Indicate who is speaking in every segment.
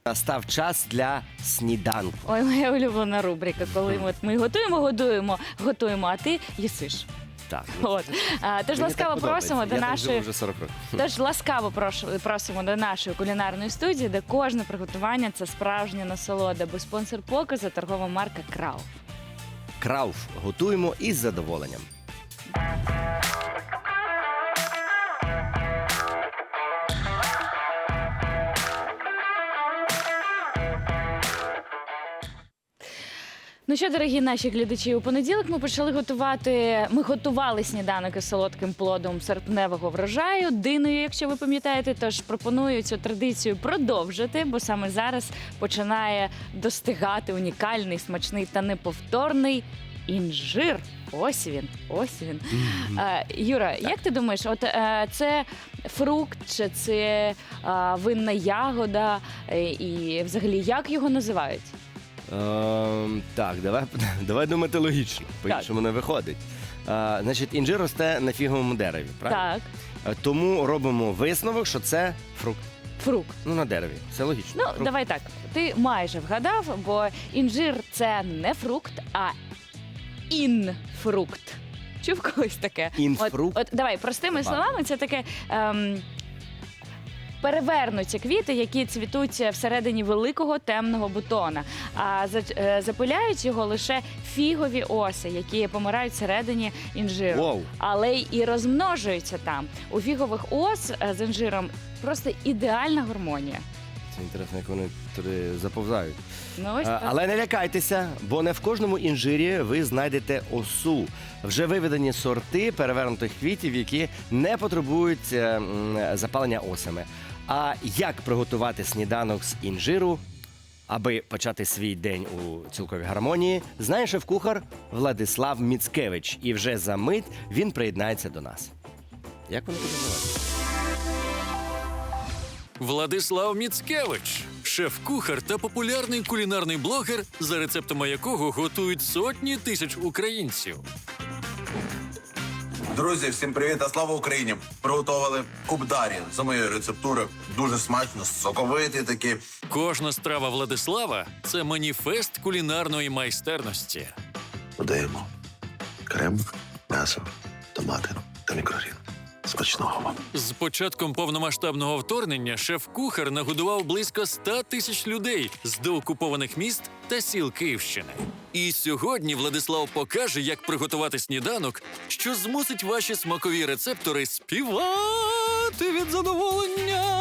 Speaker 1: Настав час для сніданку.
Speaker 2: Ой, моя улюблена рубрика, коли ми готуємо, а ти їсиш.
Speaker 1: Так.
Speaker 2: От. Тож
Speaker 1: Мені
Speaker 2: ласкаво
Speaker 1: так подобається.
Speaker 2: просимо до
Speaker 1: Я так
Speaker 2: нашої.
Speaker 1: живу вже 40 років.
Speaker 2: Тож ласкаво просимо до нашої кулінарної студії, де кожне приготування це справжня насолода, бо спонсор показу торгова марка Крауф.
Speaker 1: Крауф. Готуємо із задоволенням.
Speaker 2: Ну що, дорогі наші глядачі, у понеділок ми готували сніданок із солодким плодом серпневого врожаю, диною, якщо ви пам'ятаєте. Тож пропоную цю традицію продовжити, бо саме зараз починає достигати унікальний, смачний та неповторний інжир. Ось він, ось він. Юра, як ти думаєш, це фрукт чи це винна ягода? І взагалі, як його називають?
Speaker 1: Так, давай думати логічно, по-іншому не виходить. Значить, інжир росте на фіговому дереві, правильно?
Speaker 2: Так.
Speaker 1: Тому робимо висновок, що це фрукт.
Speaker 2: Фрукт.
Speaker 1: Ну, на дереві. Все логічно.
Speaker 2: Ну,
Speaker 1: Фрукт.
Speaker 2: давай так. Ти майже вгадав, бо інжир – це не фрукт, а інфрукт. Чув колись таке?
Speaker 1: Інфрукт?
Speaker 2: От давай, простими
Speaker 1: Ладно.
Speaker 2: словами, це таке перевернуті квіти, які цвітуть всередині великого темного бутона. А запиляють його лише фігові оси, які помирають всередині інжиру.
Speaker 1: Воу.
Speaker 2: Але і розмножуються там. У фігових ос з інжиром просто ідеальна гармонія.
Speaker 1: Це інтересно, як вони туди заповзають.
Speaker 2: Ну, ось так.
Speaker 1: Але не лякайтеся, бо не в кожному інжирі ви знайдете осу. Вже виведені сорти перевернутих квітів, які не потребують запалення осами. А як приготувати сніданок з інжиру, аби почати свій день у цілковій гармонії, знає шеф-кухар Владислав Міцкевич. І вже за мить він приєднається до нас. Як вони називають?
Speaker 3: Владислав Міцкевич – шеф-кухар та популярний кулінарний блогер, за рецептами якого готують сотні тисяч українців.
Speaker 4: Друзі, всім привіт та слава Україні! Приготували кубдарі за моєю рецептурою. Дуже смачно, соковитий такий.
Speaker 3: Кожна страва Владислава – це маніфест кулінарної майстерності.
Speaker 4: Додаємо крем, м'ясо, томати та мікрогрін. Смачного вам!
Speaker 3: З початком повномасштабного вторгнення шеф-кухар нагодував близько 100 тисяч людей з деокупованих міст та сіл Київщини. І сьогодні Владислав покаже, як приготувати сніданок, що змусить ваші смакові рецептори співати від задоволення.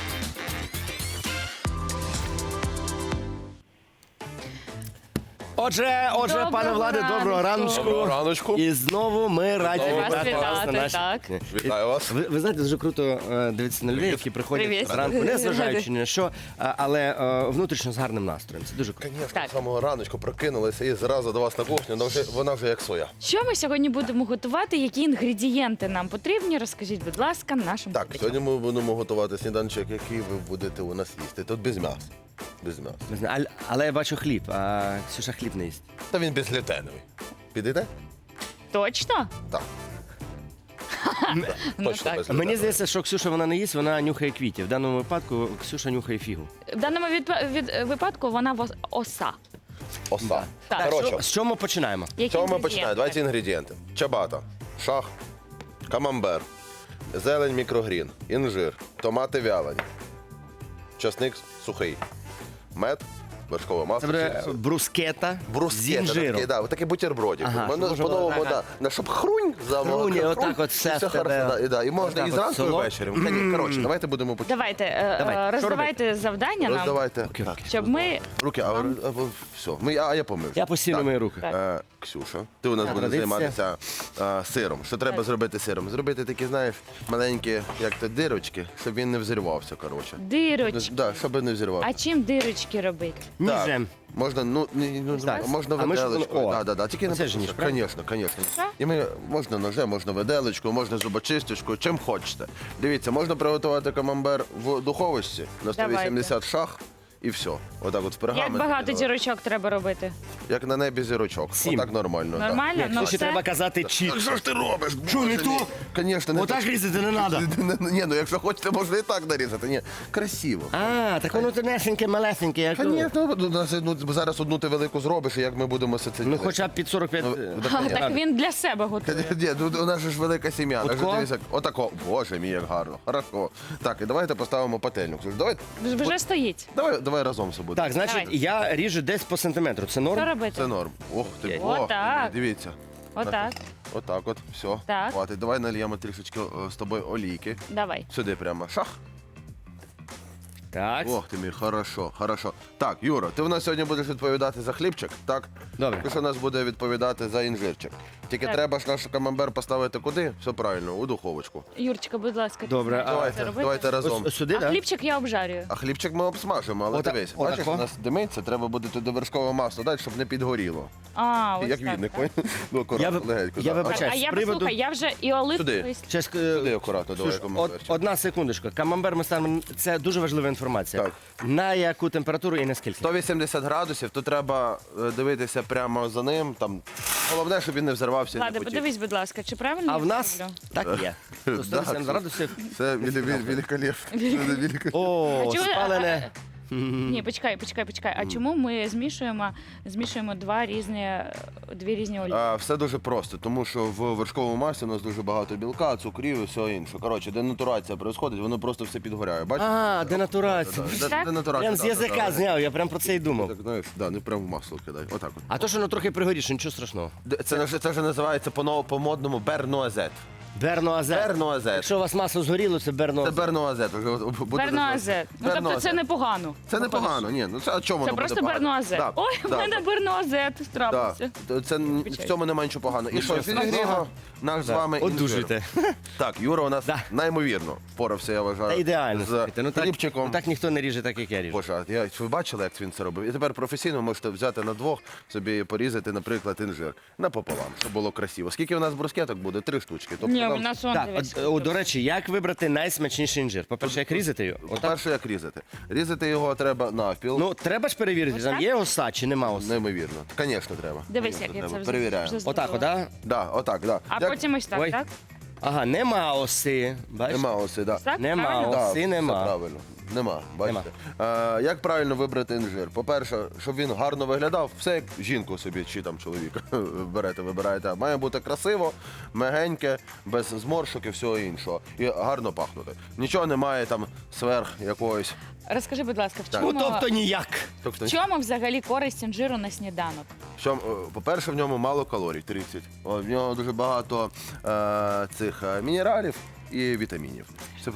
Speaker 1: Отже,
Speaker 2: Доброго
Speaker 1: пане Владе, доброго раночку.
Speaker 4: Доброго раночку.
Speaker 1: І знову ми раді
Speaker 2: Вас
Speaker 1: вітати вас на
Speaker 2: вітати,
Speaker 1: нашій...
Speaker 2: так.
Speaker 4: Вітаю вас.
Speaker 1: Ви знаєте, дуже круто дивитися на людей, які приходять
Speaker 2: Привіт.
Speaker 1: зранку, не зважаючи ні на що, але внутрішньо з гарним настроєм. Це дуже круто.
Speaker 5: Звісно,
Speaker 2: Так.
Speaker 5: з самого раночку прокинулися і зразу до вас на кухню, вона вже як своя.
Speaker 2: Що ми сьогодні будемо готувати? Які інгредієнти нам потрібні? Розкажіть, будь ласка, нашим
Speaker 5: Так,
Speaker 2: глядачам.
Speaker 5: сьогодні ми будемо готувати сніданчик, який ви будете у нас їсти. Тут без м'яса. Без м'яса.
Speaker 1: Не знаю, але я бачу хліб, а Ксюша хліб не їсть.
Speaker 5: Та він безглютеновий. Підійде?
Speaker 2: Точно?
Speaker 5: Так.
Speaker 2: Ну,
Speaker 5: Точно
Speaker 2: так.
Speaker 5: безглютеновий.
Speaker 1: Мені здається, що Ксюша вона не їсть, вона нюхає квітів. В даному випадку Ксюша нюхає фігу.
Speaker 2: В даному випадку вона оса.
Speaker 5: Оса.
Speaker 2: Так.
Speaker 5: Коротше,
Speaker 1: З чого ми починаємо?
Speaker 2: Які
Speaker 5: з чого ми
Speaker 2: інгредієнти?
Speaker 5: починаємо? Давайте інгредієнти. Чабата, шах, камамбер, зелень мікрогрін, інжир, томати вялені, часник сухий, мед, вершкове
Speaker 1: Це
Speaker 5: масло.
Speaker 1: буде
Speaker 5: сіль.
Speaker 1: брускета з
Speaker 5: Брускета,
Speaker 1: інжиром.
Speaker 5: такий, да, такий бутербродик.
Speaker 1: Ага,
Speaker 5: Воно
Speaker 1: щоб
Speaker 5: по-новому,
Speaker 1: ага.
Speaker 5: щоб хрунь,
Speaker 1: Хрунь, отак от все в тебе.
Speaker 5: хорошо, да, і можна
Speaker 1: Отак
Speaker 5: і
Speaker 1: от
Speaker 5: зранку, і
Speaker 1: соло.
Speaker 5: ввечері. Коротше, давайте будемо починати.
Speaker 2: Давайте,
Speaker 1: Давай, що
Speaker 2: роздавайте завдання нам,
Speaker 5: Роздавайте.
Speaker 1: Окей,
Speaker 5: Так.
Speaker 2: щоб ми...
Speaker 5: Руки, все. Я помив.
Speaker 1: Я постійно мої руки.
Speaker 2: Так.
Speaker 5: Ксюша, ти у нас будеш
Speaker 1: Традиція.
Speaker 5: займатися сиром. Що треба зробити сиром? Зробити такі, знаєш, маленькі, як то дирочки, щоб він не взірвався, коротше.
Speaker 2: Дирочки.
Speaker 5: Да, щоб не взірвався.
Speaker 2: А чим дирочки робити?
Speaker 1: Ніжем.
Speaker 5: Можна,
Speaker 1: Так.
Speaker 5: можна
Speaker 1: А ми ж-
Speaker 5: виделочкою.
Speaker 1: о,
Speaker 5: Да. Тільки
Speaker 1: оце ж ніж, правильно?
Speaker 5: Звісно.
Speaker 2: Так.
Speaker 5: І можна ножем, можна виделочкою, можна зубочисточкою, чим хочете. Дивіться, можна приготувати камамбер в духовочці на 180 шах і все. Отак от в пергамент.
Speaker 2: Як багато
Speaker 5: кидали.
Speaker 2: зірочок треба робити?
Speaker 5: Як на небі зірочок.
Speaker 1: 7.
Speaker 5: Отак нормально. так.
Speaker 2: Нормально?
Speaker 1: Ні,
Speaker 2: Ну
Speaker 1: тут ще
Speaker 2: все.
Speaker 1: треба казати чітко.
Speaker 5: Що ж ти робиш?
Speaker 1: Що, не то?
Speaker 5: Звісно, не
Speaker 1: Отак
Speaker 5: так.
Speaker 1: різати не треба.
Speaker 5: Ні, ну якщо хочете, можна і так нарізати. Ні, красиво.
Speaker 1: А, так воно тонесеньке, малесеньке. Як...
Speaker 5: Звісно, зараз одну ти велику зробиш, і як ми будемо все це
Speaker 1: Ну
Speaker 5: їсти?
Speaker 1: хоча б під 45.
Speaker 2: А, так він для себе готує.
Speaker 5: Ні, ну, у нас же ж велика сім'я.
Speaker 1: Отко?
Speaker 5: Отако? Дивися, отако. Боже мій, як гарно. Хорошо. Так, і давайте поставимо пательню. Ксюш, Давай,
Speaker 2: Вже стоїть.
Speaker 5: давай разом все буде.
Speaker 1: Так, значить,
Speaker 2: Давай.
Speaker 1: я ріжу десь по сантиметру. Це норм?
Speaker 2: Що робити?
Speaker 5: Це норм. Ох ти,
Speaker 2: Отак.
Speaker 5: дивіться.
Speaker 2: Отак.
Speaker 5: Отак от, все.
Speaker 2: Так.
Speaker 5: Хватить. Давай нальємо трішечки з тобою олійки.
Speaker 2: Давай.
Speaker 5: Сюди прямо. Шах.
Speaker 1: Так.
Speaker 5: Ох ти мій, хорошо, хорошо. Так, Юра, ти в нас сьогодні будеш відповідати за хлібчик, так?
Speaker 1: Добре.
Speaker 5: Ти ж у нас буде відповідати за інжирчик. Тільки
Speaker 2: Так.
Speaker 5: треба ж наш камамбер поставити куди? Все правильно, у духовочку.
Speaker 2: Юрчика, будь ласка.
Speaker 1: Добре,
Speaker 2: ти знаєш, як це робити?
Speaker 5: Давайте разом.
Speaker 1: Ось сюди,
Speaker 2: А
Speaker 1: так?
Speaker 2: хлібчик я обжарюю.
Speaker 5: А хлібчик ми обсмажимо, але дивись, бачиш,
Speaker 1: отако.
Speaker 5: у нас димиться, треба буде туди вершкове масло дати, щоб не підгоріло.
Speaker 2: А, ось
Speaker 5: Як
Speaker 2: так,
Speaker 5: відник,
Speaker 2: так.
Speaker 5: ну акуратно,
Speaker 1: Я
Speaker 5: легенько.
Speaker 1: я
Speaker 5: да.
Speaker 1: вибачаю.
Speaker 2: А я
Speaker 1: з приводу-
Speaker 2: послухай, я вже і оливковий.
Speaker 5: Сюди.
Speaker 1: Щас,
Speaker 5: Туди акуратно, давай
Speaker 1: Слушай,
Speaker 5: камамберчик.
Speaker 1: одна секундочка. Камамбер ми ставимо. Це дуже важлива інформація.
Speaker 5: Так.
Speaker 1: На яку температуру і наскільки?
Speaker 5: 180 градусів, то треба дивитися прямо за ним. Там головне, щоб він не взорвався. і не
Speaker 2: Ладно,
Speaker 5: потік.
Speaker 2: подивись, будь ласка, чи правильно
Speaker 1: А
Speaker 2: я
Speaker 1: в нас
Speaker 2: роблю?
Speaker 1: так є.
Speaker 5: Да,
Speaker 1: 180 градусів.
Speaker 5: Це великолепно.
Speaker 1: О,
Speaker 2: А чого-
Speaker 1: спалене.
Speaker 2: Ні, почекай. А чому ми змішуємо дві різні олії?
Speaker 5: Все дуже просто, тому що в вершковому маслі у нас дуже багато білка, цукрів і всього іншого. Коротше, денатурація відбувається, воно просто все підгоряє. Бачиш?
Speaker 1: А, денатурація.
Speaker 2: Так?
Speaker 5: Денатурація.
Speaker 1: Прям з язика зняв, я прям про це й думав.
Speaker 5: Так, знаєш, да, не прямо в масло кидай. Отак от.
Speaker 1: А то, що воно трохи пригоріше, нічого страшного.
Speaker 5: Це вже називається по-модному бернуазет.
Speaker 1: Бернуазет.
Speaker 5: Бернуазет.
Speaker 1: Якщо у вас масло згоріло, це
Speaker 5: Це
Speaker 1: бернуазет.
Speaker 5: бернуазет.
Speaker 2: Бернуазет. Ну, тобто
Speaker 5: Бернуазет.
Speaker 2: це непогано.
Speaker 5: Це непогано, ні. Ну це а чому
Speaker 2: Це
Speaker 5: воно
Speaker 2: просто
Speaker 5: буде погано?
Speaker 2: бернуазет.
Speaker 5: Да,
Speaker 2: Ой, в
Speaker 5: да,
Speaker 2: мене бернуазет
Speaker 5: да.
Speaker 2: трапився.
Speaker 5: Це в цьому немає нічого поганого. І що, відігріємо наш з вами інжир.
Speaker 1: Одужуйте.
Speaker 5: Так, Юра у нас
Speaker 1: Да.
Speaker 5: неймовірно впорався, я вважаю.
Speaker 1: Та ідеально.
Speaker 5: З
Speaker 1: слухайте. Ну,
Speaker 5: хлібчиком.
Speaker 1: так ніхто не ріже так, як я ріжу.
Speaker 5: Боже, ви бачили, як він це робив? І тепер професійно можете взяти на двох, собі порізати, наприклад, інжир напополам, щоб було красиво. Скільки у нас брускеток буде? 3 штучки. Тобто,
Speaker 2: Ні,
Speaker 5: нам-
Speaker 2: у нас он
Speaker 1: Так,
Speaker 2: дивись.
Speaker 1: до речі, як вибрати найсмачніший інжир? По-перше, як різати його? Отак.
Speaker 5: По-перше, як різати? Різати його треба навпіл.
Speaker 1: Ну, треба ж перевірити,
Speaker 2: Ось
Speaker 1: там
Speaker 2: так?
Speaker 1: є оса чи нема оси?
Speaker 5: Неймовірно. Звісно, треба.
Speaker 2: Дивись,
Speaker 5: Звісно,
Speaker 2: як я
Speaker 5: треба.
Speaker 2: це вже
Speaker 5: Перевіряємо.
Speaker 2: вже
Speaker 1: Отак,
Speaker 2: зробила.
Speaker 1: да?
Speaker 5: Да, отак, да.
Speaker 2: А
Speaker 5: Як-
Speaker 2: потім ось так,
Speaker 1: Ой.
Speaker 2: так?
Speaker 1: Ага, нема оси. Бачиш?
Speaker 5: Нема оси, да.
Speaker 2: Так,
Speaker 1: Нема
Speaker 2: правильно?
Speaker 1: оси.
Speaker 5: Да,
Speaker 1: Оси
Speaker 5: все
Speaker 1: нема.
Speaker 5: правильно. Нема, бачите. Як правильно вибрати інжир? По-перше, щоб він гарно виглядав, все як жінку собі чи там чоловіка вибираєте. Має бути красиво, мягеньке, без зморшок і всього іншого. І гарно пахнути. Нічого немає там сверх якогось.
Speaker 2: Розкажи, будь ласка, в
Speaker 1: Ну,
Speaker 2: чому,
Speaker 1: тобто ніяк.
Speaker 5: Тобто,
Speaker 2: в чому взагалі користь інжиру на сніданок?
Speaker 5: по-перше, в ньому мало калорій, 30. В нього дуже багато цих мінералів і вітамінів. Це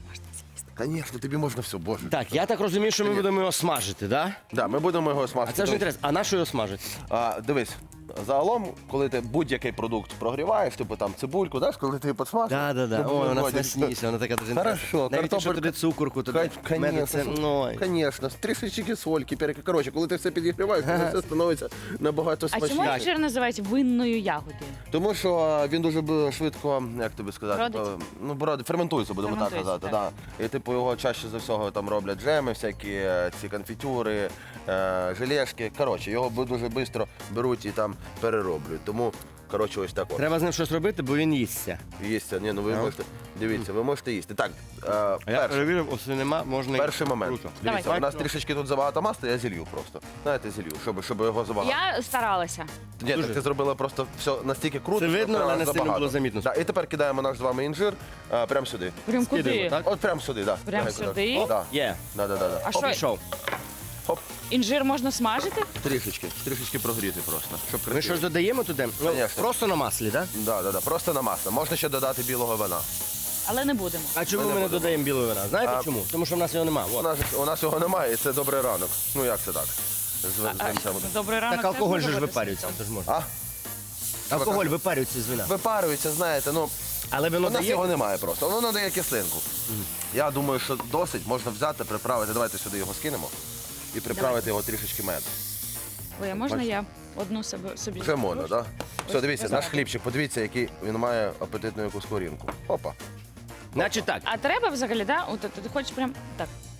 Speaker 5: Звісно, тобі можна все, боже.
Speaker 1: Так, я так розумію, що ми будемо його смажити, так?
Speaker 5: Да, ми будемо його
Speaker 1: А
Speaker 5: смажити.
Speaker 1: це ж інтересно. А на що його смажити?
Speaker 5: Дивись, загалом, коли ти будь-який продукт прогріваєш, типу там цибульку, знаєш, коли ти підсмажиш.
Speaker 1: Да. Ой, вона смачніша, вона така дуже інтересна.
Speaker 5: Хорошо,
Speaker 1: Навіть якщо
Speaker 5: картопелька-
Speaker 1: туди цукорку, туди меду, це... Ой.
Speaker 5: Звісно, трішечки сольки, перки. Коротше, коли ти все підігріваєш, то все становиться набагато
Speaker 2: А чому
Speaker 5: смачніше.
Speaker 2: інжир називають винною ягодою?
Speaker 5: Тому що він дуже швидко, як тобі сказати,
Speaker 2: Бродить?
Speaker 5: бродить, ферментується, будемо так
Speaker 2: Ферментується,
Speaker 5: казати. Да. І типу його чаще за всього там роблять джеми, всякі ці конфітюри, желешки. Коротше, його дуже швидко беруть і там перероблюють. Тому, коротше, ось так от.
Speaker 1: Треба з ним щось робити, бо він їсться.
Speaker 5: Їсться. Ні, ну ви можете, дивіться, ви можете їсти. Так,
Speaker 1: А я
Speaker 5: перше.
Speaker 1: перевірив, оси нема, можна...
Speaker 5: Перший момент.
Speaker 1: Круто.
Speaker 5: Дивіться,
Speaker 2: Давай.
Speaker 5: у нас трішечки тут забагато масла, я зілью просто. Знаєте, зілью, щоб його забагато.
Speaker 2: Я старалася.
Speaker 5: Ні,
Speaker 1: Дуже.
Speaker 5: так ти зробила просто все настільки круто.
Speaker 1: Це
Speaker 5: що
Speaker 1: видно,
Speaker 5: прямо
Speaker 1: але не сильно
Speaker 5: забагато.
Speaker 1: було замітно.
Speaker 5: Да, і тепер кидаємо наш з вами інжир прямо сюди.
Speaker 2: Прям
Speaker 1: Скидаємо,
Speaker 2: куди?
Speaker 1: так?
Speaker 5: От прямо сюди, так.
Speaker 2: Прям сюди?
Speaker 5: Так.
Speaker 1: Є.
Speaker 5: Да.
Speaker 2: А
Speaker 1: Хоп,
Speaker 2: що,
Speaker 1: пішов.
Speaker 5: Хоп,
Speaker 2: інжир можна смажити?
Speaker 5: трішечки прогріти просто, щоб
Speaker 1: Ми
Speaker 5: красиво.
Speaker 1: щось додаємо туди? Ну,
Speaker 5: Конечно.
Speaker 1: просто на маслі, так?
Speaker 5: Да, просто на масло. Можна ще додати білого вина.
Speaker 2: Але не будемо.
Speaker 1: А чому
Speaker 5: Ми не
Speaker 1: ми не
Speaker 5: будемо.
Speaker 1: додаємо білого вина? Знаєте
Speaker 5: А-
Speaker 1: чому? Тому що в нас його немає.
Speaker 5: У нас його немає, і це добрий ранок. Ну як це так? З винцем.
Speaker 2: Добрий ранок.
Speaker 1: Так алкоголь
Speaker 2: теж
Speaker 1: же ж
Speaker 2: буде
Speaker 1: випарюється,
Speaker 2: готуватися.
Speaker 1: це ж можна.
Speaker 5: А?
Speaker 1: Алкоголь випарюється з вина.
Speaker 5: Випарюється, знаєте, ну.
Speaker 1: Але
Speaker 5: У
Speaker 1: вино
Speaker 5: нас
Speaker 1: дає?
Speaker 5: його немає просто, воно надає кислинку. Я думаю, що досить можна взяти, приправити. Давайте сюди його скинемо і приправити його трішечки меду.
Speaker 2: Ой, а можна я одну собі?
Speaker 5: Вже можна, так? Все, дивіться,
Speaker 2: ось
Speaker 5: наш
Speaker 2: так.
Speaker 5: хлібчик, подивіться, який він має апетитну якусь корінку. Опа.
Speaker 1: Значить так,
Speaker 2: А треба взагалі, да? От ти хочеш прям так.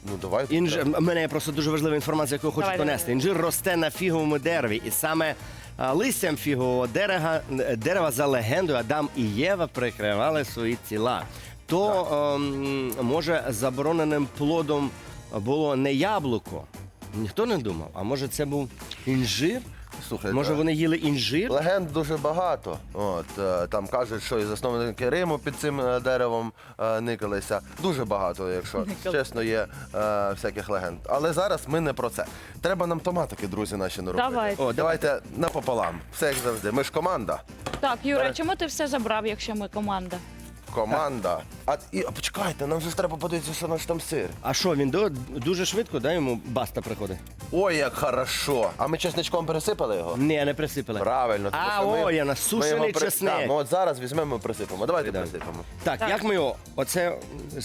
Speaker 5: Ну, давай.
Speaker 1: У мене є просто дуже важлива інформація, яку я хочу
Speaker 2: Давай,
Speaker 1: понести.
Speaker 2: давай.
Speaker 1: Інжир росте на фіговому дереві, і саме листям фігового дерева за легендою Адам і Єва прикривали свої тіла. То, може, забороненим плодом було не яблуко? Ніхто не думав. А може це був інжир?
Speaker 5: Слухай,
Speaker 1: Може вони їли інжир?
Speaker 5: легенд дуже багато. Там кажуть, що і засновники Риму під цим деревом никалися. Дуже багато, якщо чесно, є всяких легенд. Але зараз ми не про це. Треба нам томатики, друзі, наші наробити.
Speaker 2: Давайте.
Speaker 5: Давайте напополам. Все як завжди. Ми ж команда.
Speaker 2: Так, Юра, чому ти все забрав, якщо ми команда?
Speaker 5: Команда. Почекайте, нам же ж треба подивитися, що наш там сир.
Speaker 1: А що, він дуже швидко, да, йому баста приходить?
Speaker 5: Ой, як хорошо. А ми чесничком пересипали його?
Speaker 1: Ні, не присипали.
Speaker 5: Правильно. тому
Speaker 1: А,
Speaker 5: що ми-
Speaker 1: ой, я
Speaker 5: ми
Speaker 1: насушений
Speaker 5: його
Speaker 1: чесник.
Speaker 5: Так, ми от зараз візьмемо і присипемо. Давайте
Speaker 1: Давай.
Speaker 5: присипемо.
Speaker 1: Так, як ми його? Оце.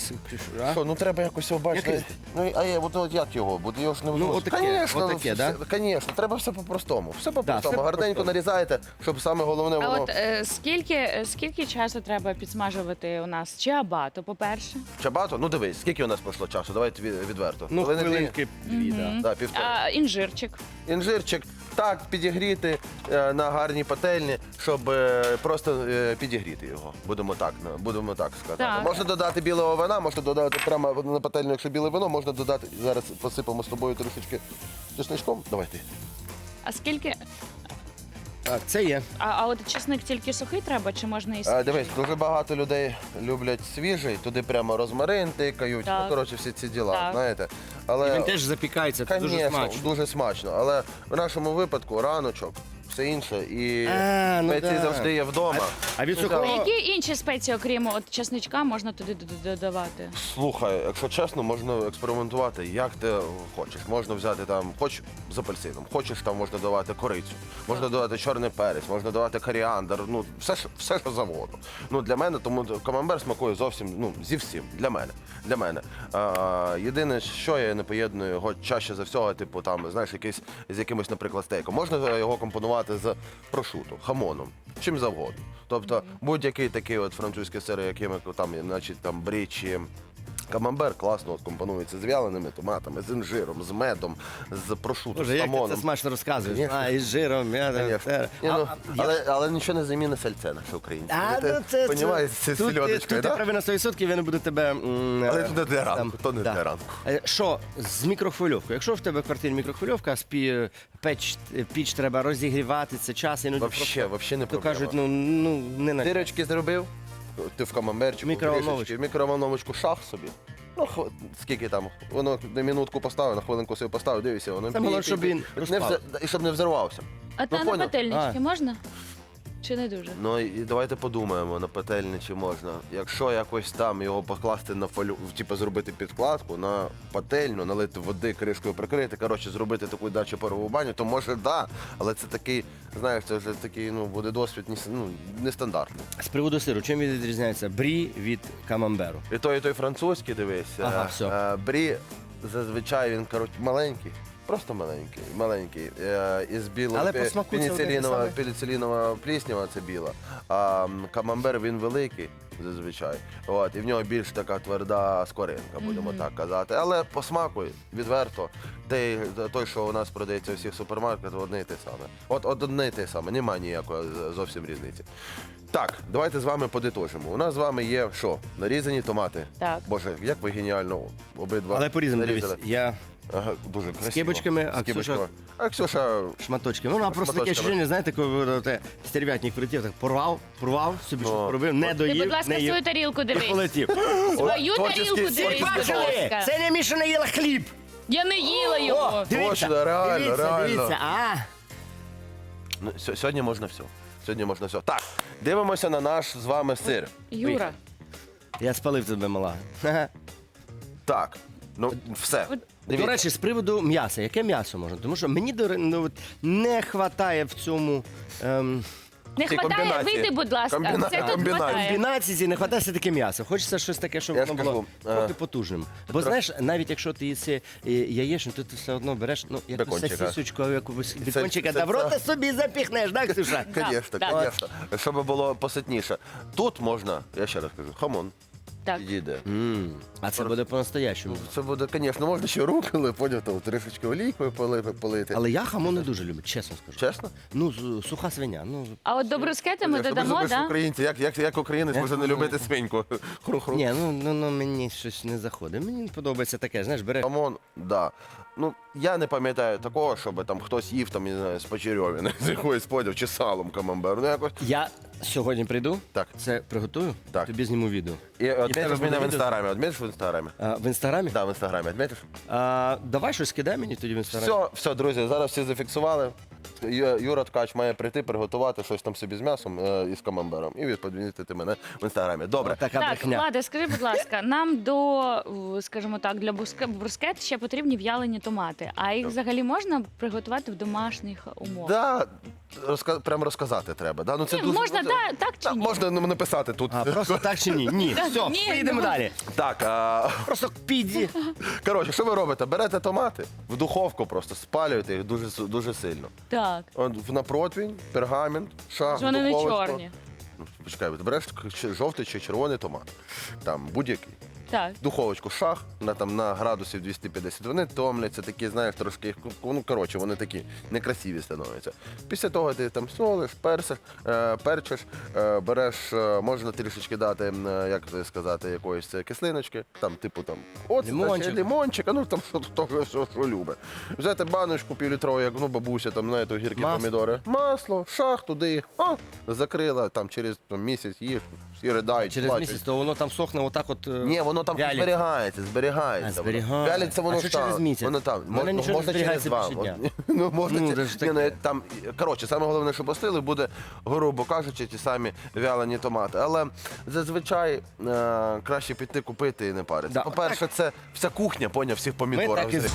Speaker 1: А?
Speaker 5: Що, ну треба якось його бачити.
Speaker 1: Який?
Speaker 5: Ну, от як його? Буде його ж не
Speaker 1: Ну, отаке,
Speaker 5: Конечно,
Speaker 1: отаке, да?
Speaker 5: Звісно, треба все по-простому. Все по-простому.
Speaker 1: все
Speaker 5: Гарненько
Speaker 1: по-простому.
Speaker 5: нарізаєте, щоб саме головне
Speaker 2: А
Speaker 5: воно.
Speaker 2: от скільки часу треба підсмажувати у нас? Чи абато, по-перше?
Speaker 5: Чабато, ну дивись, скільки у нас пройшло часу? Давайте відверто.
Speaker 1: Ну,
Speaker 5: Хвилини дві?
Speaker 1: хвилинки дві, так.
Speaker 5: Да, півтори.
Speaker 2: А інжирчик.
Speaker 5: Інжирчик так підігріти на гарній пательні, щоб просто підігріти його. Будемо так сказати.
Speaker 2: Так.
Speaker 5: Можна додати білого вина, можна додати прямо на пательню, якщо біле вино, можна додати. Зараз посипемо з тобою трішечки чесничком. Давайте.
Speaker 2: А скільки?
Speaker 1: Так, це є.
Speaker 2: А от чесник тільки сухий треба, чи можна і свіжий?
Speaker 5: Дивись, дуже багато людей люблять свіжий, туди прямо розмарин тикають,
Speaker 2: Так.
Speaker 5: ну, коротше, всі ці діла,
Speaker 2: Так.
Speaker 5: знаєте.
Speaker 1: І
Speaker 5: Але,
Speaker 1: він теж запікається, це дуже
Speaker 5: конечно,
Speaker 1: смачно.
Speaker 5: дуже смачно. Але в нашому випадку раночок, все інше, і
Speaker 1: Ну
Speaker 5: спеції
Speaker 1: да.
Speaker 5: завжди є вдома.
Speaker 1: А від
Speaker 5: Ну,
Speaker 1: сухого-
Speaker 5: так.
Speaker 2: Які інші спеції, окрім от чесничка, можна туди додавати?
Speaker 5: Слухай, якщо чесно, можна експериментувати, як ти хочеш. Можна взяти там, хоч з апельсином, хочеш там можна додавати корицю, можна додати чорний перець, можна додавати коріандр, ну все, що завгодно. Ну для мене, тому камамбер смакує зовсім, ну зі всім. Для мене. Єдине, що я не поєдную його чаще за всього, типу там, знаєш, з якимось, наприклад, стейком. Можна його компонувати з прошуто, хамоном, чим завгодно. Тобто будь-який такий от французький сир, якими там, значить, там брі чи камамбер класно от компонується з вяленими томатами, з інжиром, з медом, з прошуто,
Speaker 1: Боже,
Speaker 5: з
Speaker 1: як ти
Speaker 5: хамоном.
Speaker 1: це смачно розказуєш.
Speaker 5: Конечно.
Speaker 1: А, із жиром,
Speaker 5: Конечно. Ні, ну, але нічого не замінить сальце наше українське. Понімаєш, це
Speaker 1: тут
Speaker 5: сільодочкою,
Speaker 1: ти
Speaker 5: так?
Speaker 1: правий на 100%, я не буду тебе...
Speaker 5: Але це не для ранку,
Speaker 1: там,
Speaker 5: то не
Speaker 1: да.
Speaker 5: для ранку.
Speaker 1: Що з мікрохвильовкою? Якщо в тебе в квартирі мікрохвильовка, піч треба розігрівати, це час, іноді
Speaker 5: Вообще не
Speaker 1: то
Speaker 5: проблема.
Speaker 1: кажуть, ну не на
Speaker 5: Дирочки зробив, ти в камамберчику,
Speaker 1: Мікроволновочку.
Speaker 5: трішечки, в мікроволновочку шах собі. Ну, скільки там, воно на минутку поставив, на хвилинку собі поставив, дивися, воно
Speaker 1: Це головне, щоб він
Speaker 5: не
Speaker 1: розпав.
Speaker 5: і щоб не взорвався.
Speaker 2: А на
Speaker 5: поняв.
Speaker 2: пательнички можна? Чи не дуже?
Speaker 5: Ну і давайте подумаємо на пательні, чи можна. Якщо якось там його покласти на фолю, типу зробити підкладку на пательню, налити води, кришкою прикрити, коротше, зробити таку дачу парову баню, то може да, але це такий, знаєш, це вже такий, ну, буде досвід нестандартний.
Speaker 1: З приводу сиру, чим він відрізняється брі від камамберу?
Speaker 5: І той французький, дивись.
Speaker 1: Ага, все.
Speaker 5: Брі зазвичай він, коротше, маленький. Просто маленький. Із білого
Speaker 1: Але по смаку це одне те саме.
Speaker 5: пеніцилінова пліснява, це біла. А камамбер він великий зазвичай. От, і в нього більш така тверда скоринка, будемо так казати. Але по смаку відверто, той, що у нас продається у всіх супермаркетах, одне і те саме. От одне і те саме, немає ніякої зовсім різниці. Так, давайте з вами подитожимо. У нас з вами є що? Нарізані томати.
Speaker 2: Так.
Speaker 5: Боже, як ви геніально обидва
Speaker 1: Але по-різному дивись.
Speaker 5: нарізали.
Speaker 1: Я
Speaker 5: Ага, дуже красиво.
Speaker 1: кибочками, а
Speaker 5: З кибочками. А Ксюша
Speaker 1: шматочки. Ну, вона просто таке
Speaker 5: Шматочками.
Speaker 1: ощущення, знаєте, коли стерв'ятник прилетів, так порвав, собі
Speaker 5: Ну.
Speaker 1: щось поробив, не
Speaker 2: Ти,
Speaker 1: доїв,
Speaker 2: будь ласка,
Speaker 1: не їв.
Speaker 2: свою тарілку
Speaker 1: І
Speaker 2: дивись.
Speaker 1: полетів.
Speaker 2: Свою
Speaker 5: творчий
Speaker 2: тарілку
Speaker 5: стиль.
Speaker 2: дивись, будь
Speaker 1: Бачили?
Speaker 2: ласка.
Speaker 1: Це не Міша не їла хліб.
Speaker 2: Я не їла його.
Speaker 1: Дивіться,
Speaker 5: Точно, реально,
Speaker 1: дивіться,
Speaker 5: реально.
Speaker 1: дивіться.
Speaker 5: Ну, сьогодні можна все. Сьогодні можна все. Так, дивимося на наш з вами сир.
Speaker 2: Юра,
Speaker 1: Я спалив тебе, мала.
Speaker 5: Так, ну все.
Speaker 1: До
Speaker 5: Дивіться.
Speaker 1: речі, з приводу м'яса. Яке м'ясо можна? Тому що мені не вистачає в цьому
Speaker 2: не
Speaker 5: Ці
Speaker 2: хватає,
Speaker 5: комбінації.
Speaker 2: вийди, будь ласка. Це тут
Speaker 5: Комбінації.
Speaker 2: хватає.
Speaker 1: комбінації, не вистачає все-таки м'яса. Хочеться щось таке, щоб
Speaker 5: Я ж
Speaker 1: воно було
Speaker 5: кажу,
Speaker 1: трохи потужним. Бо знаєш, навіть якщо ти їси яєчню, то ти все одно береш якусь
Speaker 5: Бекончика.
Speaker 1: сосисочку, якусь бекончика,
Speaker 5: це-
Speaker 1: да в рота собі запіхнеш, так, Ксюша?
Speaker 5: Конечно,
Speaker 2: Так.
Speaker 5: конечно. Щоб було поситніше. Тут можна, я ще раз кажу, хамон.
Speaker 2: Так.
Speaker 5: підійде.
Speaker 1: А це буде по-настоящому.
Speaker 5: Це буде, звісно, можна ще руколи, потім там трішечки олійкою полити.
Speaker 1: Але я хамон не дуже люблю, чесно скажу.
Speaker 5: Чесно?
Speaker 1: Ну, суха свиня. Ну,
Speaker 2: А от до брускети ми
Speaker 5: Якщо
Speaker 2: додамо,
Speaker 5: ви ж
Speaker 2: да?
Speaker 5: українці, як українець може не любити свиньку? Хру-хру.
Speaker 1: ні, ну мені щось не заходить. Мені подобається таке, знаєш, бере.
Speaker 5: Хамон, да. Ну, я не пам'ятаю такого, щоб там хтось їв там, не знаю, з почерьовини, з якоїсь подів, чи салом камамбер. Ну, якось.
Speaker 1: Я сьогодні прийду,
Speaker 5: Так.
Speaker 1: це приготую,
Speaker 5: Так.
Speaker 1: тобі зніму відео.
Speaker 5: І
Speaker 1: тебе
Speaker 5: відмітиш
Speaker 1: буде
Speaker 5: мене в
Speaker 1: відео?
Speaker 5: інстаграмі. Відмітиш в інстаграмі?
Speaker 1: В інстаграмі?
Speaker 5: Так, в інстаграмі. Відмітиш?
Speaker 1: Давай щось кидай мені тоді в інстаграмі.
Speaker 5: Все, друзі, зараз всі зафіксували. Юра Ткач має прийти, приготувати щось там собі з м'ясом і з камамбером. І відповідати мене в інстаграмі. Добре.
Speaker 1: Така
Speaker 2: Так,
Speaker 1: брехня.
Speaker 2: Влади, скажи, будь ласка, нам до, скажімо так, для брускет ще потрібні в'ялені томати. А їх взагалі можна приготувати в домашніх умовах?
Speaker 5: Да, прям розказати треба. Да? Ну, це
Speaker 2: Ні,
Speaker 5: дуже,
Speaker 2: можна,
Speaker 5: ну,
Speaker 2: да, так чи ні?
Speaker 5: Можна написати тут.
Speaker 1: Просто так чи ні? Ні. Все,
Speaker 2: Ні,
Speaker 1: поїдемо
Speaker 2: ну.
Speaker 1: далі.
Speaker 5: Так,
Speaker 1: Просто піді.
Speaker 5: коротше, що ви робите? Берете томати, в духовку просто спалюєте їх дуже сильно.
Speaker 2: Так.
Speaker 5: От на противень, пергамент, шах,
Speaker 2: Ж вони не
Speaker 5: духовочку.
Speaker 2: чорні.
Speaker 5: Ну, почекай, береш жовтий чи червоний томат. Там будь-який.
Speaker 2: Так.
Speaker 5: Духовочку шах на градусів 250. Вони томляться, такі, знаєш, трошки, ну, коротше, вони такі некрасиві становляться. Після того ти там солиш, перчиш, береш, можна трішечки дати, як це сказати, якоїсь кислиночки, там, типу, там,
Speaker 1: Лимончик.
Speaker 5: лимончик, ну, там, що любить. Взяти баночку півлітрову, як, ну, бабуся, там, знаєте, огірки,
Speaker 1: Масло.
Speaker 5: помідори. Масло, шах, туди їх, закрила, там, через місяць їж, всі ридають,
Speaker 1: Через
Speaker 5: плачуть.
Speaker 1: місяць, то воно там сохне отак от.
Speaker 5: Ні, воно там
Speaker 1: вялиться.
Speaker 5: зберігається.
Speaker 1: А, зберігається.
Speaker 5: Вялиться воно
Speaker 1: А що
Speaker 5: ж там.
Speaker 1: через місяць?
Speaker 5: Воно там.
Speaker 1: У мене нічого не
Speaker 5: можна через
Speaker 1: зберігається
Speaker 5: два.
Speaker 1: більше дня.
Speaker 5: Ну, можна
Speaker 1: Ну,
Speaker 5: ці-
Speaker 1: це ж
Speaker 5: Ні,
Speaker 1: таке.
Speaker 5: там, коротше, саме головне, що постили, буде, грубо кажучи, ті самі вялені томати. Але зазвичай краще піти купити і не паритися.
Speaker 1: Да,
Speaker 5: По-перше, це вся кухня, поняв, всіх
Speaker 1: Ми
Speaker 5: помідорів.
Speaker 1: так і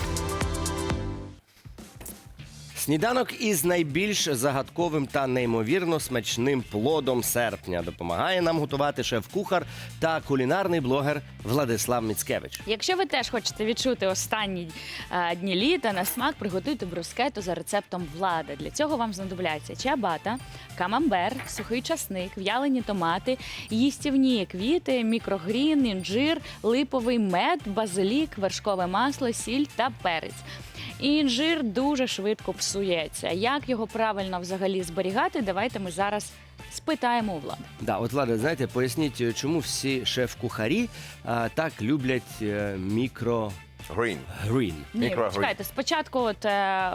Speaker 1: Сніданок із найбільш загадковим та неймовірно смачним плодом серпня допомагає нам готувати шеф-кухар та кулінарний блогер Владислав Міцкевич.
Speaker 2: Якщо ви теж хочете відчути останні дні літа на смак, приготуйте брускету за рецептом Влада. Для цього вам знадобляться чиабата, камамбер, сухий часник, в'ялені томати, їстівні квіти, мікрогрін, інжир, липовий мед, базилік, вершкове масло, сіль та перець. І інжир дуже швидко псується. Як його правильно взагалі зберігати, давайте ми зараз спитаємо у Влада.
Speaker 1: Да, от Влада, знаєте, поясніть, чому всі шеф-кухарі так люблять мікрогрін.
Speaker 5: Green.
Speaker 2: Ні,
Speaker 5: Мікрогрін.
Speaker 2: чекайте, спочатку от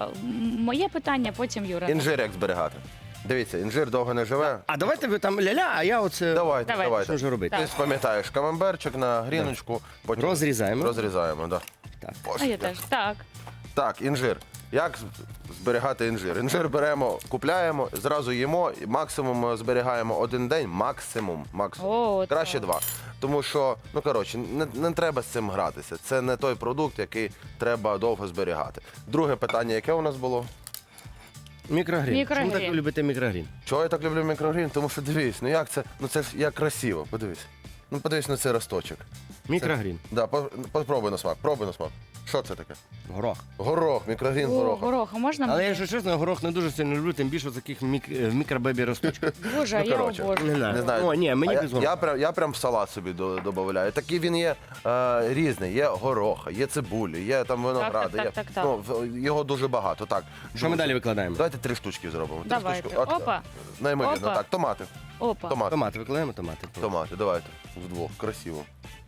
Speaker 2: моє питання, потім Юра.
Speaker 5: Інжир як зберігати. Дивіться, інжир довго не живе.
Speaker 1: А давайте ви там ля-ля, а я оце
Speaker 2: Давайте.
Speaker 1: що ж робити?
Speaker 5: Ти ж пам'ятаєш, камамберчик на гріночку, потім
Speaker 1: Розрізаємо.
Speaker 5: розрізаємо. Да.
Speaker 1: Так.
Speaker 2: А я теж. Так.
Speaker 5: Так, інжир. Як зберігати інжир? Інжир беремо, купляємо, зразу їмо, і максимум зберігаємо один день, максимум.
Speaker 2: О,
Speaker 5: Краще
Speaker 2: так.
Speaker 5: 2. Тому що, ну коротше, не треба з цим гратися. Це не той продукт, який треба довго зберігати. Друге питання, яке у нас було?
Speaker 1: Мікрогрін.
Speaker 2: Мікрогрін.
Speaker 1: Чому так ви любите мікрогрін?
Speaker 5: Чого я так люблю мікрогрін? Тому що дивись, ну як це? Ну це ж як красиво, подивись. Ну подивись на цей росточок.
Speaker 1: Мікрогрін.
Speaker 5: Да, попробуй на смак, пробуй на смак. Що це таке?
Speaker 1: Горох.
Speaker 5: Горох, мікрогрін
Speaker 2: О,
Speaker 5: горох.
Speaker 2: гороха можна?
Speaker 1: Але
Speaker 2: мені?
Speaker 1: якщо чесно, горох не дуже сильно люблю, тим більше таких в мікробебі росточках.
Speaker 2: Боже, а
Speaker 5: Ну,
Speaker 2: я
Speaker 5: коротше.
Speaker 2: обожнюю.
Speaker 5: Не знаю.
Speaker 1: О, ні, мені
Speaker 5: А
Speaker 1: без гороху.
Speaker 5: я прям в салат собі додаю. Такий він є різний. Є гороха, є цибулі, є там виногради.
Speaker 2: так,
Speaker 5: є,
Speaker 2: так, так.
Speaker 5: Його дуже багато. Так.
Speaker 1: Що ми далі викладаємо?
Speaker 5: Давайте 3 штучки зробимо. 3
Speaker 2: Давайте.
Speaker 5: штучки. От,
Speaker 2: Опа.
Speaker 5: Неймовірно.
Speaker 2: Опа.
Speaker 5: Так, томати.
Speaker 2: Опа.
Speaker 5: Томати.
Speaker 1: Томати викладаємо, томати.
Speaker 5: Томати, давайте. Вдвох. Красиво.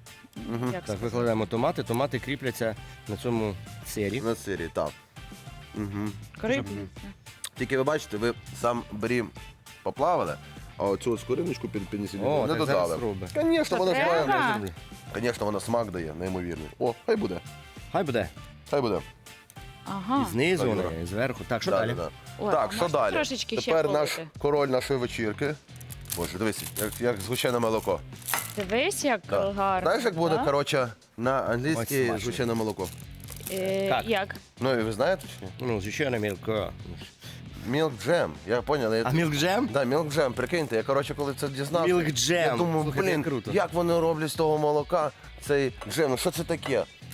Speaker 2: Як
Speaker 1: Так,
Speaker 2: сказати?
Speaker 1: викладаємо томати. Томати кріпляться на цьому сирі.
Speaker 5: На сирі, так. Угу.
Speaker 2: Крипні.
Speaker 5: Тільки ви бачите, ви сам брім поплавали, а оцю скориночку піднесіть
Speaker 1: О,
Speaker 5: не
Speaker 1: так
Speaker 5: додали.
Speaker 1: зараз робимо.
Speaker 5: Звісно, вона
Speaker 2: треба?
Speaker 5: смак. Звісно, вона смак дає, неймовірний. О, хай буде.
Speaker 1: Хай буде.
Speaker 5: Хай буде.
Speaker 2: Ага.
Speaker 1: І знизу,
Speaker 5: Так,
Speaker 1: вона,
Speaker 5: Юра.
Speaker 1: і зверху. Так, що
Speaker 5: Да,
Speaker 1: далі?
Speaker 5: да, да.
Speaker 2: Ой,
Speaker 5: Так,
Speaker 2: а
Speaker 5: що
Speaker 2: можна
Speaker 5: далі?
Speaker 2: трошечки ще
Speaker 5: Тепер наш
Speaker 2: полити?
Speaker 5: король нашої вечірки. Боже, дивись, як згущене молоко.
Speaker 2: Дивись, як
Speaker 5: Да.
Speaker 2: гарно.
Speaker 5: Знаєш, як буде,
Speaker 2: да?
Speaker 5: коротше, на
Speaker 1: Ой,
Speaker 5: англійській
Speaker 1: смачно.
Speaker 5: згущене молоко?
Speaker 1: Так.
Speaker 2: Як?
Speaker 5: Ну, і ви знаєте чи ні?
Speaker 1: Ну, звичайно, мілко.
Speaker 5: Milk джем. Я поняв.
Speaker 1: А мілк джем?
Speaker 5: Да, milk джем, прикиньте, я коротше, коли це дізнався,
Speaker 1: Milk Jam.
Speaker 5: я думаю,
Speaker 1: Слухайте,
Speaker 5: блін,
Speaker 1: круто.
Speaker 5: як вони роблять з того молока цей джем, ну що це таке?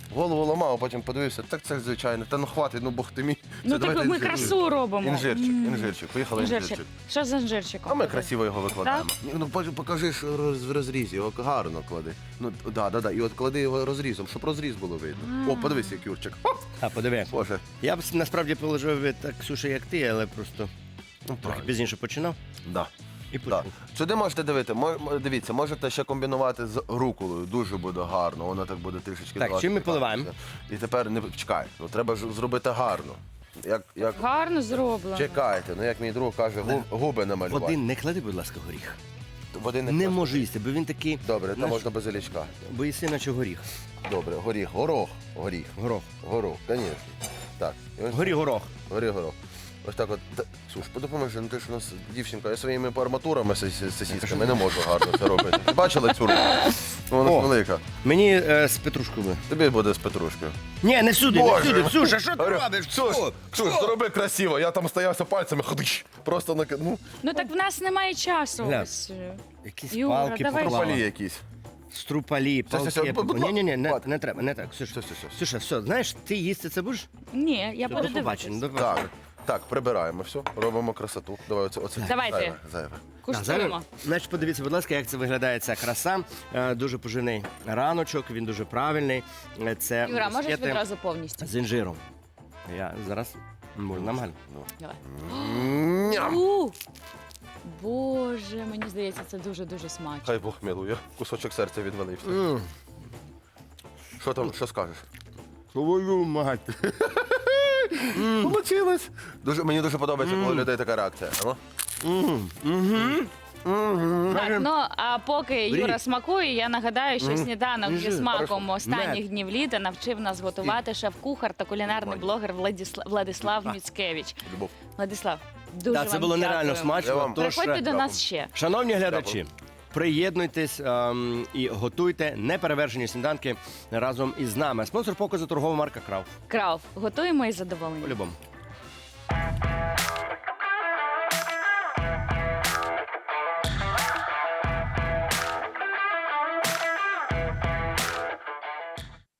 Speaker 5: голову ламав, а потім подивився, так це звичайно, та ну хватить, ну бог ти мій.
Speaker 2: Ну
Speaker 5: Це
Speaker 2: так
Speaker 5: давайте
Speaker 2: ми
Speaker 5: інжир.
Speaker 2: красу робимо.
Speaker 5: Інжирчик, поїхали
Speaker 2: Інжирчик.
Speaker 5: інжирчик.
Speaker 2: Що з інжирчиком?
Speaker 5: А ми красиво його викладаємо. Ну покажи ж в розрізі, його гарно клади. Ну да. І от клади його розрізом, щоб розріз було видно. О, подивись, як Юрчик. Оп!
Speaker 1: А, подиви.
Speaker 5: Боже.
Speaker 1: Я б насправді положив так, Ксюша, як ти, але просто трохи
Speaker 5: правильно.
Speaker 1: пізніше починав
Speaker 5: Да.
Speaker 1: і
Speaker 5: Да.
Speaker 1: почав.
Speaker 5: Сюди можете дивіться, можете ще комбінувати з руколою, дуже буде гарно, воно так буде трішечки.
Speaker 1: Так,
Speaker 5: давати
Speaker 1: чим ми
Speaker 5: пікантності.
Speaker 1: поливаємо?
Speaker 5: І тепер не чекай, ну треба ж зробити гарно. Як
Speaker 2: Гарно зроблено.
Speaker 5: чекайте, ну як мій друг каже, губи намалювати.
Speaker 1: Води не клади, будь ласка, горіх.
Speaker 5: Води
Speaker 1: Не
Speaker 5: клади.
Speaker 1: можу їсти, бо він такий.
Speaker 5: Добре, там
Speaker 1: знаєш,
Speaker 5: можна базилічка.
Speaker 1: боїси, наче горіх.
Speaker 5: Добре, горіх, горох,
Speaker 1: Горох.
Speaker 5: звісно. Так, і ось
Speaker 1: Горох.
Speaker 5: горох. Ось так от. Слуш, допоможи, ну ти ж у нас дівчинка, я своїми арматурами сосісками не можу гарно це робити. Ти бачила цю руку? Вона
Speaker 1: О.
Speaker 5: велика.
Speaker 1: Мені з петрушкою.
Speaker 5: Тобі буде з петрушкою.
Speaker 1: Ні, не всюди, не
Speaker 5: Боже.
Speaker 1: всюди. Ксюша, що ти
Speaker 5: Говорю,
Speaker 1: робиш?
Speaker 5: Ксюш, зроби красиво, я там стоявся пальцями, ходиш. Просто на ну,
Speaker 2: Ну так в нас немає часу.
Speaker 1: Гля.
Speaker 2: Ось.
Speaker 1: Якісь
Speaker 2: Юра,
Speaker 1: палки
Speaker 2: давай.
Speaker 1: поклала.
Speaker 5: пропалі якісь.
Speaker 1: Струпалі, палки.
Speaker 5: все, будь ласка.
Speaker 1: Ні,
Speaker 5: Хватить.
Speaker 1: не треба, не так. Ксюша,
Speaker 5: Все.
Speaker 1: все, знаєш, ти їсти це будеш?
Speaker 2: Ні, я буду
Speaker 1: До побачення,
Speaker 2: дивитися.
Speaker 1: до побачення.
Speaker 5: Так, прибираємо все, робимо красоту. Давай оце.
Speaker 2: Давайте.
Speaker 5: Зайве.
Speaker 2: Куштуємо.
Speaker 1: Значить, подивіться, будь ласка, як це виглядає ця краса. Дуже поживний раночок, він дуже правильний. Це
Speaker 2: Юра, можеш
Speaker 1: брускети
Speaker 2: відразу повністю?
Speaker 1: з інжиром. Я зараз можу нормально.
Speaker 2: Давай.
Speaker 5: Ням.
Speaker 2: Боже, мені здається, це дуже-дуже смачно.
Speaker 5: Хай Бог милує, кусочок серця відвалився. Що там, що скажеш?
Speaker 1: Твою мать.
Speaker 5: Получилось. Мені дуже подобається, коли у людей така реакція.
Speaker 2: Так, ну а поки Юра
Speaker 1: Беріть.
Speaker 2: смакує, я нагадаю, що сніданок зі
Speaker 1: Інжир,
Speaker 2: смаком
Speaker 1: хорошо.
Speaker 2: останніх
Speaker 1: Мед.
Speaker 2: днів літа навчив нас готувати шеф-кухар та кулінарний блогер Владислав Міцкевич.
Speaker 5: Любов.
Speaker 2: Владислав, дуже
Speaker 1: Так, це
Speaker 2: вам
Speaker 1: було нереально
Speaker 2: дякуємо.
Speaker 5: Я
Speaker 1: смачно.
Speaker 5: вам
Speaker 1: Тож,
Speaker 2: Приходьте до нас
Speaker 5: Дякую.
Speaker 2: ще.
Speaker 1: шановні глядачі, приєднуйтесь і готуйте неперевершені сніданки разом із нами. Спонсор показу торгова марка Крав.
Speaker 2: Крав, готуємо із задоволенням.
Speaker 1: По-любому.